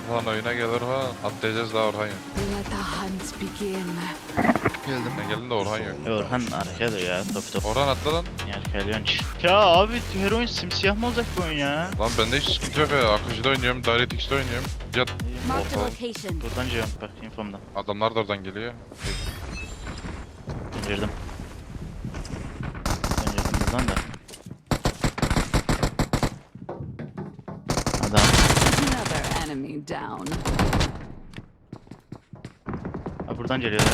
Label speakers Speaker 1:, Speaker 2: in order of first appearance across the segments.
Speaker 1: Orhan oyuna gel Orhan. Atlayacağız daha Orhan yok.
Speaker 2: Let the hunt begin.
Speaker 3: Geldim.
Speaker 1: Sen geldin de Orhan yok.
Speaker 4: Orhan arkada ya top top.
Speaker 1: Orhan atla lan.
Speaker 4: Yarkalıyorsun. Ya abi her oyun simsiyah mı olacak bu oyun ya?
Speaker 1: Lan bende hiç sıkıntı yok ya. Akıcı'da oynuyorum, DirectX'de oynuyorum. Cihat
Speaker 2: Marked a
Speaker 1: Orhan.
Speaker 2: location.
Speaker 4: Buradan cevap bak infomdan.
Speaker 1: Adamlar da oradan geliyor.
Speaker 4: Girdim. Ben girdim buradan da. Adam.
Speaker 2: Another enemy down.
Speaker 4: Ha buradan geliyorlar.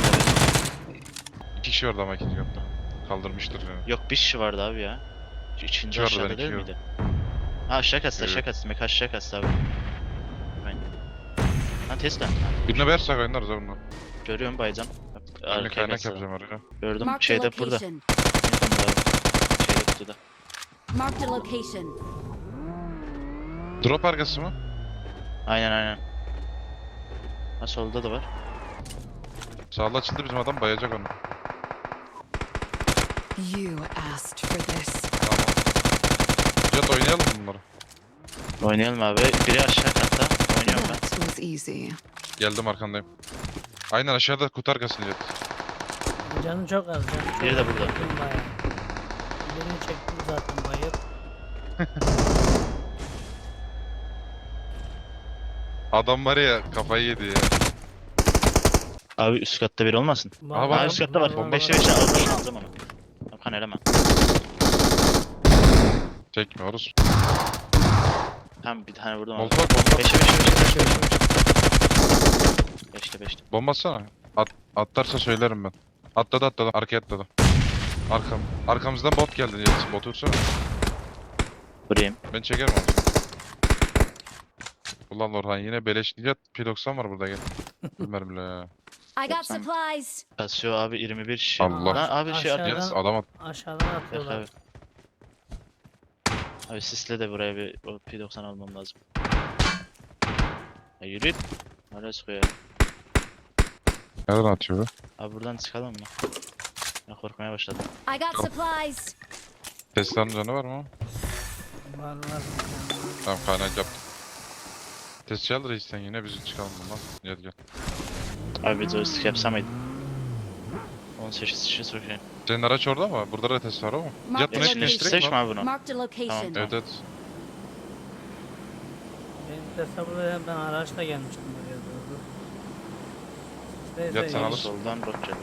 Speaker 1: İki kişi vardı ama ikinci katta. Kaldırmıştır yani.
Speaker 4: Yok bir kişi vardı abi ya. Şu İçinci
Speaker 1: İki vardı,
Speaker 4: aşağıda
Speaker 1: ben
Speaker 4: değil
Speaker 1: iki
Speaker 4: miydi? Ha aşağı kastı
Speaker 1: Evet.
Speaker 4: aşağı kastı. Mek aşağı kastı abi. Ben. Lan Tesla.
Speaker 1: Birine versek oynarız ha bunu.
Speaker 4: Görüyorum baycan.
Speaker 1: Önüne
Speaker 4: Arkaya
Speaker 1: kaynak
Speaker 4: kastı.
Speaker 1: yapacağım oraya.
Speaker 4: Gördüm
Speaker 2: Marked a
Speaker 4: şeyde burada.
Speaker 2: location.
Speaker 4: İnfomda abi. Şeyde kutuda.
Speaker 2: Marked a location.
Speaker 1: Drop arkası mı?
Speaker 4: Aynen aynen. Ha solda da var.
Speaker 1: Sağlı açıldı bizim adam bayacak onu.
Speaker 2: You asked for this.
Speaker 1: Tamam. Cihat oynayalım bunları.
Speaker 4: Oynayalım abi. Biri aşağı katta. Oynuyorum ben.
Speaker 2: That was easy.
Speaker 1: Geldim arkandayım. Aynen aşağıda kutu arkasında Cihat.
Speaker 5: Canı çok az. Canı çok
Speaker 4: Biri de
Speaker 5: az.
Speaker 4: burada.
Speaker 5: Çektim bayağı. Birini çektim zaten bayıp.
Speaker 1: Adam var ya kafayı yedi ya.
Speaker 4: Abi üst katta biri olmasın.
Speaker 1: Aha, bak,
Speaker 4: Ha üst katta var.
Speaker 1: bomba.
Speaker 4: 5'e 5'e aldım aldım onu. Hakan eleme.
Speaker 1: Çekmiyoruz.
Speaker 4: Tamam bir tane vurdum abi.
Speaker 1: Molotov bomba.
Speaker 4: 5'e 5'e 5'te 5'te.
Speaker 1: Bomba atsana. Atlarsa söylerim ben. Atladı. Arkaya atladı. Arkamızdan bot geldi Cihat. Botu vursana.
Speaker 4: Vurayım.
Speaker 1: Ben çekerim onu. Ulan Orhan yine beleş. Cihat P90 var burada gel. Bilmiyorum ya.
Speaker 2: I got
Speaker 4: Yoksa-
Speaker 2: supplies.
Speaker 4: Kasıyor abi 21 şişe.
Speaker 1: Allah.
Speaker 4: Lan abi şey
Speaker 5: Aşağıdan-
Speaker 4: atıyor.
Speaker 1: Cihat adam at.
Speaker 5: Aşağıdan
Speaker 4: Yok
Speaker 5: atıyorlar.
Speaker 4: abi. Abi sisle de buraya bir o P90 almam lazım. Ya yürü. Hala sıkıyor ya.
Speaker 1: Nereden atıyor be?
Speaker 4: Abi buradan çıkalım mı? Ben korkmaya başladım.
Speaker 2: I got supplies.
Speaker 1: Tesla'nın canı var mı?
Speaker 5: Var.
Speaker 1: Tamam kaynak yaptım. Tesla al reisten yine bizi çıkalım bundan. Gel gel.
Speaker 4: Abi bir joystick yapsam mıydı? 18 kişi sokayım.
Speaker 1: Senin araç orada mı? Burada da Tesla var ama. Cihat
Speaker 2: Marked
Speaker 1: bunu
Speaker 2: a
Speaker 1: netleştirek
Speaker 4: Seç
Speaker 1: mi?
Speaker 4: mi abi bunu?
Speaker 2: Marked a location.
Speaker 4: Tamam.
Speaker 1: Evet evet.
Speaker 5: Benim tesla ben araçla gelmiştim buraya doğru.
Speaker 1: Yat sen
Speaker 5: iyi.
Speaker 1: alırsın.
Speaker 4: Soldan bot geliyor.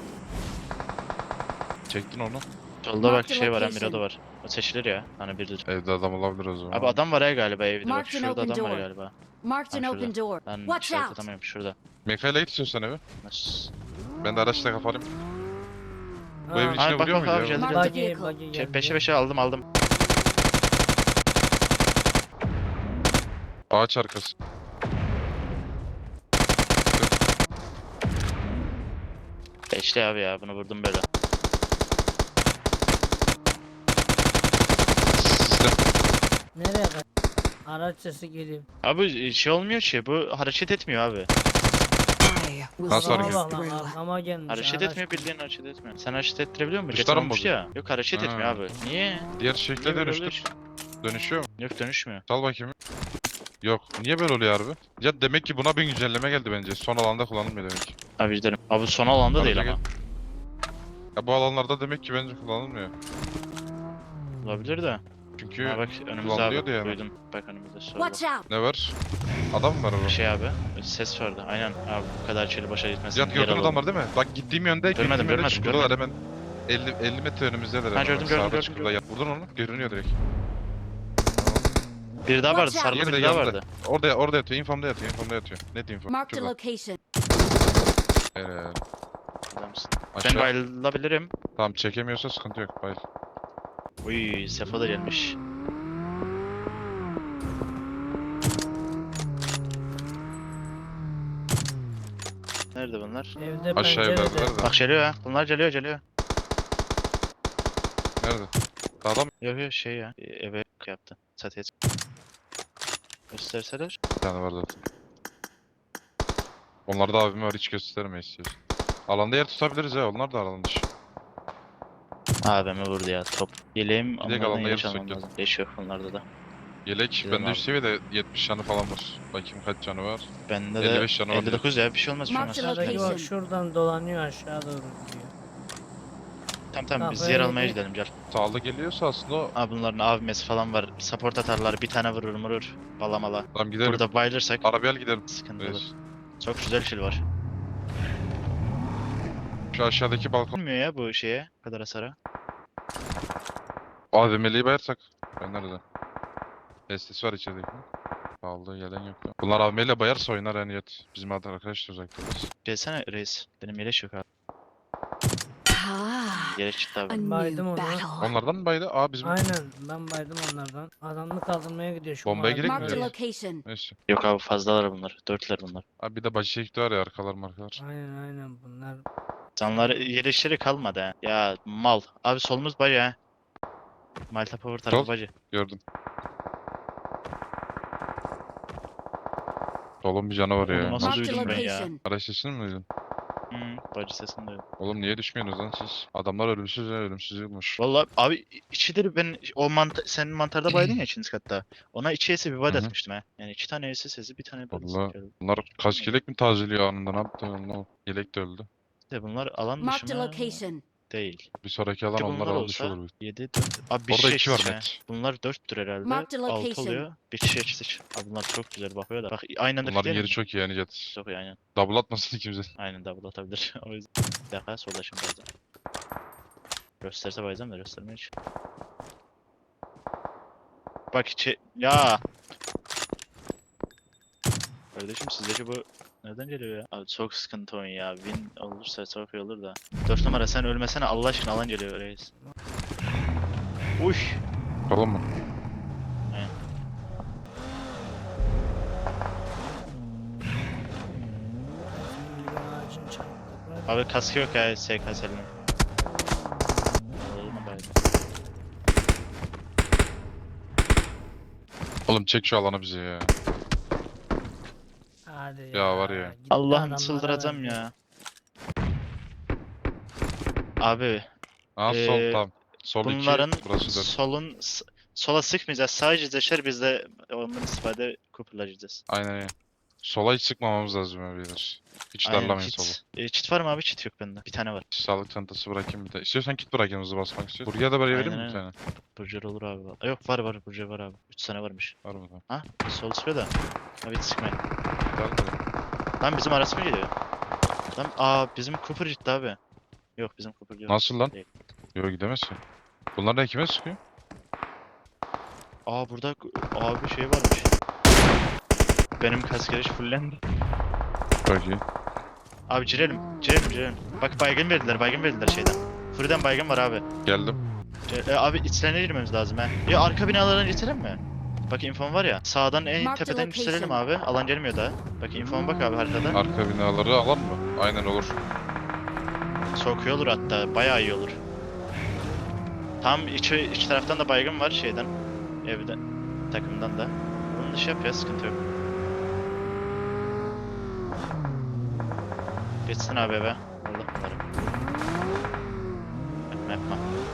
Speaker 1: Çektin onu.
Speaker 4: Solda bak
Speaker 2: Marked
Speaker 4: şey var,
Speaker 2: location.
Speaker 4: Mirado var. O seçilir ya. Hani biridir.
Speaker 1: Evde adam olabilir o zaman.
Speaker 4: Abi adam var ya galiba evde bak.
Speaker 2: Marked an
Speaker 4: Şurada
Speaker 2: open
Speaker 4: adam var
Speaker 2: door.
Speaker 4: galiba.
Speaker 2: Marked an
Speaker 4: Ha,
Speaker 2: open door.
Speaker 4: Ben
Speaker 2: Watch
Speaker 4: işaret
Speaker 2: out.
Speaker 4: atamıyorum şurada.
Speaker 1: Mekayla git istiyorsan eve.
Speaker 4: Nasıl?
Speaker 1: Ben de araçla kafalayım. Bu evin
Speaker 5: Ha,
Speaker 1: içine
Speaker 4: Abi bak,
Speaker 1: vuruyor
Speaker 4: bak
Speaker 1: muydu
Speaker 4: abi,
Speaker 1: ya?
Speaker 4: geldi,
Speaker 2: Marked
Speaker 4: geldi.
Speaker 2: a
Speaker 5: Buggy
Speaker 2: vehicle.
Speaker 5: geldi.
Speaker 4: 5'e 5'e aldım.
Speaker 1: Ağaç arkası.
Speaker 4: Beşli abi ya bunu vurdum böyle.
Speaker 1: Sistem.
Speaker 5: Nereye kaç? Araç sesi geliyor.
Speaker 4: Abi şey olmuyor ki bu hareket etmiyor abi.
Speaker 2: I will
Speaker 1: Nasıl
Speaker 2: see
Speaker 1: hareket?
Speaker 2: this
Speaker 5: Bak lan
Speaker 2: through.
Speaker 5: arkama gelmiş.
Speaker 4: Hareket
Speaker 5: araç.
Speaker 4: etmiyor bildiğin hareket etmiyor. Sen hareket ettirebiliyor musun?
Speaker 1: Tuşlar mı
Speaker 4: Olmuş
Speaker 1: bozuyor?
Speaker 4: ya. Yok hareket
Speaker 1: Ha.
Speaker 4: etmiyor abi. Niye?
Speaker 1: Diğer şekle
Speaker 4: Niye böyle
Speaker 1: dönüştür. Dönüşüyor mu?
Speaker 4: Yok dönüşmüyor.
Speaker 1: Sal bakayım. Yok. Niye böyle oluyor harbi? Ya demek ki buna bir güncelleme geldi bence. Son alanda kullanılmıyor demek ki.
Speaker 4: Abi gidelim. Abi son alanda
Speaker 1: Arada
Speaker 4: değil
Speaker 1: gel.
Speaker 4: ama.
Speaker 1: Ya bu alanlarda demek ki bence kullanılmıyor.
Speaker 4: Olabilir de.
Speaker 1: Çünkü
Speaker 4: Ha bak önümüzde
Speaker 1: kullanılıyordu
Speaker 4: abi.
Speaker 1: yani.
Speaker 4: Duydum. Bak önümüzde solda.
Speaker 2: Watch out.
Speaker 1: Ne var? Adam mı var orada?
Speaker 4: Şey abi. Ses vardı. Aynen. Abi bu kadar çeli başa gitmesin.
Speaker 1: Cihat gördün adamlar değil mi? Bak gittiğim yönde
Speaker 4: Görmedim,
Speaker 1: gittiğim yönde
Speaker 4: görmedim,
Speaker 1: şuradalar hemen 50 metre önümüzdeler.
Speaker 4: Ha,
Speaker 1: hemen.
Speaker 4: gördüm,
Speaker 1: Sağda
Speaker 4: gördüm,
Speaker 1: çukurda yat. Vurdun onu. Görünüyor direkt.
Speaker 4: Bir daha vardı.
Speaker 2: Watch out.
Speaker 4: Sarılı
Speaker 1: Diğeri de
Speaker 4: bir daha
Speaker 1: yanında.
Speaker 4: vardı.
Speaker 1: Orada yatıyor. Infomda yatıyor. Net info.
Speaker 2: Marked a
Speaker 1: Şurada.
Speaker 2: location.
Speaker 1: Evet.
Speaker 4: Adamsın. Ben
Speaker 1: Aşağı.
Speaker 4: bayılabilirim.
Speaker 1: Tamam çekemiyorsa sıkıntı yok. Bayıl.
Speaker 4: Uy Sefo da gelmiş. Nerede bunlar?
Speaker 5: Evde
Speaker 1: Aşağı
Speaker 5: pencerede.
Speaker 1: evlerdeler de.
Speaker 4: Bak geliyor ha. Bunlar geliyor.
Speaker 1: Nerede? Sağda mı?
Speaker 4: Yok yok şey ya. Eve yaptı. Çatıya gösterseler.
Speaker 1: Bir tane var zaten. Onlar da abime var hiç göstermeyiz istiyorsun. Alanda yer tutabiliriz ya. Onlar da alan dışı.
Speaker 4: AVM vurdu ya top. Yeleğim
Speaker 1: alanda
Speaker 4: onlardan
Speaker 1: yer
Speaker 4: yer çalmam
Speaker 1: tutsak
Speaker 4: lazım. Leş yok onlarda da.
Speaker 1: Yelek
Speaker 4: Gidelim
Speaker 1: bende
Speaker 4: abi.
Speaker 1: üst seviyede 70 canı falan var. Bakayım kaç canı var.
Speaker 4: Bende de
Speaker 1: 55 canı var
Speaker 4: 59 ya bir şey olmaz bir şey
Speaker 2: Mark
Speaker 4: olmaz.
Speaker 2: the
Speaker 5: Aşağıdaki
Speaker 2: location.
Speaker 5: bak şuradan dolanıyor aşağı doğru gidiyor.
Speaker 4: Tamam biz
Speaker 5: Kafayı
Speaker 4: yer almaya
Speaker 5: yedi.
Speaker 4: gidelim gel.
Speaker 1: Sağlı geliyorsa aslında o...
Speaker 4: Abi bunların AVM'si falan var. Support atarlar bir tane vurur. Balamala.
Speaker 1: Tamam gidelim.
Speaker 4: Burada bayılırsak
Speaker 1: Arabaya gidelim.
Speaker 4: sıkıntı olur.
Speaker 1: Reis.
Speaker 4: Çok güzel kill var.
Speaker 1: Şu aşağıdaki balkon.
Speaker 4: Bilmiyor ya bu şeye bu kadar hasara.
Speaker 1: AVM'liyi bayarsak. Ben nerede? STS var içerideki. Sağlı gelen yok. Ya. Bunlar AVM'yle bayarsa oynar yani yet. Bizim arkadaş da uzakta.
Speaker 4: Gelsene reis. Benim yeleş yok abi.
Speaker 2: Ah,
Speaker 4: Yeleş çıktı
Speaker 2: a
Speaker 4: abi.
Speaker 2: new
Speaker 5: Baydım onu.
Speaker 2: battle.
Speaker 1: Onlardan mı baydı? Aa bizim
Speaker 5: Aynen ben baydım onlardan. Adamını kaldırmaya gidiyor şu
Speaker 1: Bombaya
Speaker 5: mavi
Speaker 1: gerek mi
Speaker 2: Mark the
Speaker 1: ya?
Speaker 2: location.
Speaker 1: neyse.
Speaker 4: Yok abi fazlalar bunlar. Dörtler bunlar.
Speaker 1: Abi bir de bacı çekti var ya arkalar markalar.
Speaker 5: Aynen bunlar.
Speaker 4: Canları yeleşleri kalmadı ha. Ya mal. Abi solumuz bacı ha. Malta Power tarafı
Speaker 1: Sol.
Speaker 4: bacı.
Speaker 1: Gördüm. Solun bir canavar
Speaker 4: Oğlum
Speaker 1: ya.
Speaker 4: nasıl
Speaker 2: Mark the
Speaker 4: duydum ben ya?
Speaker 2: location.
Speaker 1: Araç sesini mi duydun?
Speaker 4: Bacı sesini duydum.
Speaker 1: Oğlum niye düşmüyorsunuz lan siz? Adamlar ölümsüz ya ölümsüz yılmış.
Speaker 4: Valla abi içidir ben o senin mantarda baydın ya ikinci katta. Ona içi esi bir
Speaker 1: Hı
Speaker 4: bad
Speaker 1: hı.
Speaker 4: atmıştım ha. Yani iki tane esi sesi bir tane bad
Speaker 1: Valla
Speaker 4: atmıştım.
Speaker 1: bunlar kaç yelek mi tazeliyor anında ne yaptı anlamadım. Yelek de öldü.
Speaker 4: De bunlar alan
Speaker 2: Mark the
Speaker 4: dışı mı?
Speaker 2: location.
Speaker 4: Değil.
Speaker 1: Bir sonraki alan
Speaker 4: Ki
Speaker 1: onlar
Speaker 4: bunlar
Speaker 1: alan dışı
Speaker 4: olsa
Speaker 1: olur.
Speaker 4: 7 4. Abi bir
Speaker 1: Orada
Speaker 4: kişi
Speaker 1: 2 var
Speaker 4: eksik ha.
Speaker 1: net.
Speaker 4: Bunlar 4'tür herhalde.
Speaker 2: Mark the
Speaker 4: 6
Speaker 2: location.
Speaker 4: oluyor. Bir kişi eksik. Abi bunlar çok güzel bakıyor da. Bak aynı anda
Speaker 1: Bunların
Speaker 4: fitleyelim
Speaker 1: yeri
Speaker 4: mi?
Speaker 1: çok iyi yani jet.
Speaker 4: Çok iyi aynen.
Speaker 1: Double atmasın kimse.
Speaker 4: Aynen double atabilir. O yüzden. Bir dakika solda şimdi bazen. Gösterse bayacağım da göstermiyor hiç. Bak içi... Ya! Kardeşim sizdeki bu... Nereden geliyor ya? Abi çok sıkıntı oyun ya. Win olursa çok iyi olur da. 4 numara sen ölmesene Allah aşkına alan geliyor reis. Uy!
Speaker 1: Tamam mı?
Speaker 5: Bir ağacın çarptık.
Speaker 4: Abi kaskı yok ya SKS'nin. Olur mu baydı?
Speaker 1: Oğlum çek şu alanı bize ya.
Speaker 5: Hadi
Speaker 1: Ya var ya.
Speaker 5: gitti
Speaker 4: Allah'ım
Speaker 5: adamlara
Speaker 4: çıldıracağım
Speaker 5: verdi.
Speaker 4: ya. Abi
Speaker 1: Aa sol tam. Sol 2
Speaker 4: bunların
Speaker 1: burası 4.
Speaker 4: sola sıkmayacağız. Sadece zeşer biz de ondan istifade kupurlayacağız.
Speaker 1: Aynen öyle. Sola hiç sıkmamamız lazım ya beyler. Hiç darlamayın sola.
Speaker 4: Çit var mı abi? Çit yok bende. Bir tane var.
Speaker 1: Sağlık çantası bırakayım bir de. İstiyorsan kit bırakayım hızlı basmak istiyorsan. Buraya da böyle vereyim mi
Speaker 4: Aynen
Speaker 1: bir tane?
Speaker 4: Burger olur abi. Yok var Burger var abi. 3 tane varmış.
Speaker 1: Var mı lan?
Speaker 4: Ha? Sol sıkıyor da. Abi hiç sıkmayın.
Speaker 1: Var mı?
Speaker 4: Lan bizim arası mı geliyor? Lan bizim Cooper gitti abi. Yok bizim Cooper yok.
Speaker 1: Nasıl lan?
Speaker 4: Değil.
Speaker 1: Yok gidemezsin. Bunlar da kime sıkıyor?
Speaker 4: Burada abi şey varmış. Benim kaskeriş fullendi.
Speaker 1: Çok iyi.
Speaker 4: Abi girelim. Bak baygın verdiler şeyden. Fırıdan baygın var abi.
Speaker 1: Geldim.
Speaker 4: Abi içlerine girmemiz lazım ha. Ya arka binalardan geçelim mi? Bak infom var ya. Sağdan en
Speaker 2: Mark the
Speaker 4: tepeden
Speaker 2: location.
Speaker 4: yükselelim abi. Alan gelmiyor daha. Bak infoma bak abi haritada.
Speaker 1: Arka binaları alan mı? Aynen olur.
Speaker 4: Çok iyi olur hatta. Bayağı iyi olur. Tam iç taraftan da baygın var şeyden. Evden. Takımdan da. Bunun dışı yap ya sıkıntı yok. Geçsin abi eve. Allah bunları. Yapma.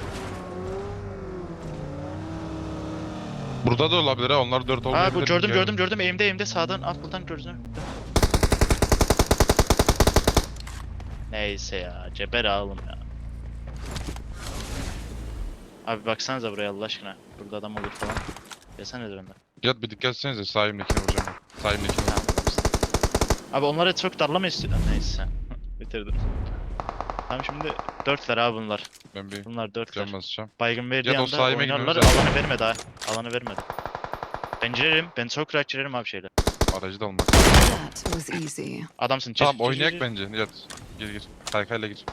Speaker 1: Burada da olabilir ha. Onlar 4 olmayabilir.
Speaker 4: Bu
Speaker 1: Yani.
Speaker 4: gördüm. Eğimde sağdan at buradan gördüm. Neyse ya. Ceber ağalım ya. Abi baksanıza buraya Allah aşkına. Burada adam olur falan. Gelsene de benden.
Speaker 1: Yat bir dikkat etsenize sahimdekini vuracağım. Sahimdekini vuracağım.
Speaker 4: Abi onlara çok darlama istiyorum. Neyse. Bitirdim. Tamam şimdi 4'ler abi bunlar.
Speaker 1: Ben bir
Speaker 4: Bunlar 4'ler.
Speaker 1: can basacağım.
Speaker 4: Baygın verdiği
Speaker 1: Ya da o
Speaker 4: anda
Speaker 1: sahime
Speaker 4: oynarlar.
Speaker 1: girmemiz lazım.
Speaker 4: Alanı vermedi ha. Alanı vermedi. Ben girerim. Ben çok rahat girerim abi şeyle.
Speaker 1: Aracı da almak.
Speaker 2: That was easy.
Speaker 4: Adamsın.
Speaker 1: Tamam oynayak bence. Yat. Gir. Kaykayla gir.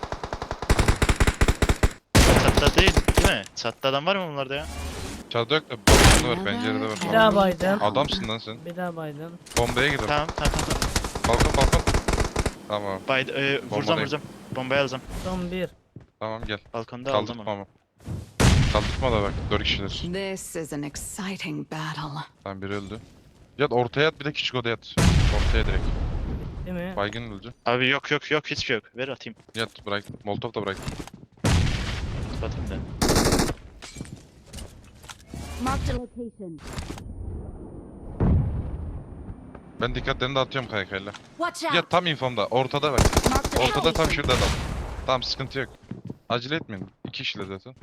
Speaker 4: Çatta değil mi? Çatta adam var mı bunlarda ya?
Speaker 1: Çatıda yok da balkonda var, pencerede var.
Speaker 5: Bir daha baydım.
Speaker 1: Adamsın lan sen.
Speaker 5: Bir daha baydım.
Speaker 1: Bombaya gir.
Speaker 4: Tamam.
Speaker 1: Balkon. Tamam.
Speaker 4: Vuracağım. Bombayı alacağım.
Speaker 5: Son bir.
Speaker 1: Tamam gel.
Speaker 4: Balkonda aldım
Speaker 1: Kaldırtma
Speaker 4: onu.
Speaker 1: ama. Kaldırtma da bak. 4 kişiler.
Speaker 2: This is an exciting battle.
Speaker 1: Tamam biri öldü. Yat ortaya at bir de küçük odaya yat. Ortaya direkt.
Speaker 5: Değil mi?
Speaker 1: Baygın öldü.
Speaker 4: Abi yok hiçbir şey yok. Ver atayım.
Speaker 1: Yat bırak. Molotov da bırak.
Speaker 4: Atayım da.
Speaker 3: Marked a location.
Speaker 1: Ben dikkatlerini dağıtıyorum kaykayla.
Speaker 3: Watch
Speaker 1: Ya
Speaker 3: out.
Speaker 1: tam infomda. Ortada bak.
Speaker 3: Marked a
Speaker 1: Ortada tam
Speaker 3: location.
Speaker 1: şurada da. Tamam sıkıntı yok. Acele etmeyin. 2 kişiler zaten.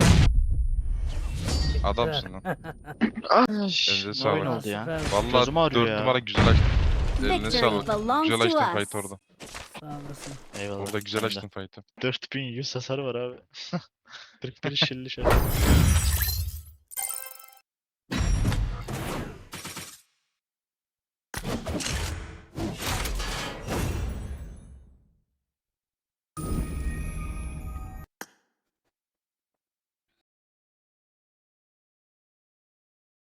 Speaker 1: Adamsın lan. Elinize
Speaker 4: Ne
Speaker 1: sağlık.
Speaker 4: oyun oldu ya.
Speaker 5: Süper.
Speaker 1: Vallahi
Speaker 4: Gözüm ağrıyor
Speaker 1: 4
Speaker 4: ya.
Speaker 1: numara güzel açtın. Eline
Speaker 3: Victory
Speaker 1: sağlık.
Speaker 3: belongs
Speaker 1: Güzel
Speaker 3: to
Speaker 1: açtın
Speaker 3: us.
Speaker 1: fight orada.
Speaker 5: Sağ olasın.
Speaker 4: Eyvallah.
Speaker 1: Orada güzel
Speaker 4: sen de.
Speaker 1: açtın fight'ı.
Speaker 4: 4100 hasar var abi. 41 şilli şey.